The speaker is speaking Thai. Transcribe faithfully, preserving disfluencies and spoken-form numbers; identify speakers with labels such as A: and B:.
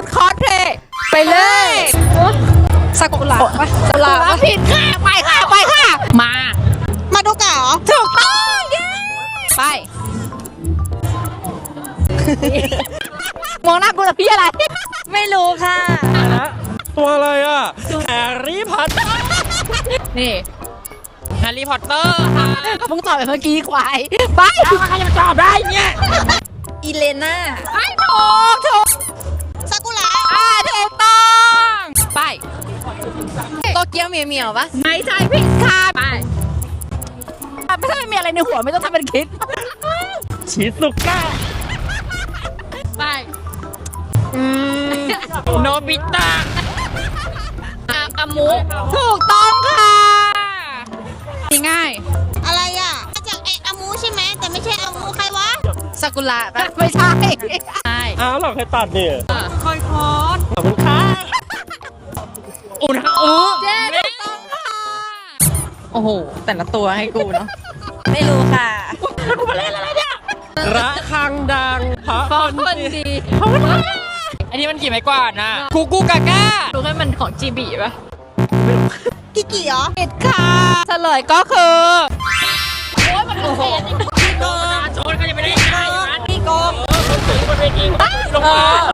A: ดคอสเพลย์ไปเลยซากุระปะซากุระผิดค่ะไปค่ะไปค่ะมา
B: มาดูกะเหรอ
A: ถูกต้องเย้ไปมองหน้ากูแต่พี่อะไร
B: ไม่รู้ค่ะ
C: ตัวอะไรอ่ะแฮร์รี่พอตเตอร์
A: นี่
C: แฮร์รี่พอตเตอร์ค่ะ
A: มึงตอบแบบเมื่อกี้ควายไปใครจะมาตอบได้เนี่ย
B: อีเลน่า
A: ไม่ถูกถูก
B: ซากุระ
A: อ่าถูกต้องไป
B: โตเกียวเหมียวเหมียวปะ
A: ไม่ใช่ผิดค่ะไปไม่ใช่ไม่มีอะไรในหัวไม่ต้องทำเป็นคิด
C: ชิซุกะ
A: ไป
C: อืมโนบิตะ
A: อาอามุถูกต้องค่ะง่าย
B: อะไรอ่ะมาจากไออามูใช่ไหมแต่ไม่ใช่อามูใครวะ
A: ซากุระปะไม่ใช่ใช่
C: อ้าวเหรอใครตัดเนี่ย
A: คอยคอส
C: ขอบคุณค่ะอุณหภูมิ
A: เจ๊ถูกต้องค่ะโอ้โหแต่ละตัวให้กูเนาะ
B: ไม่รู้ค่ะ
A: กูมาเล่นอะไรเนี่ย
C: ระฆังดังเพราะ
A: ฟอ
C: คน
A: คน
C: ดี
A: ดี
C: อันนี้มันกี่ไม้กวาดนะกูกูกาก้า
A: รู้แค่มันของจีบีปะ
B: กิกิเหรอ
A: ผิดค่ะเฉลยก็คือโอ้ยมันโอ้โห
C: โดนชนก็จะไม่ได้ยังไง
B: พี่โกง
C: บนเวทีลงมา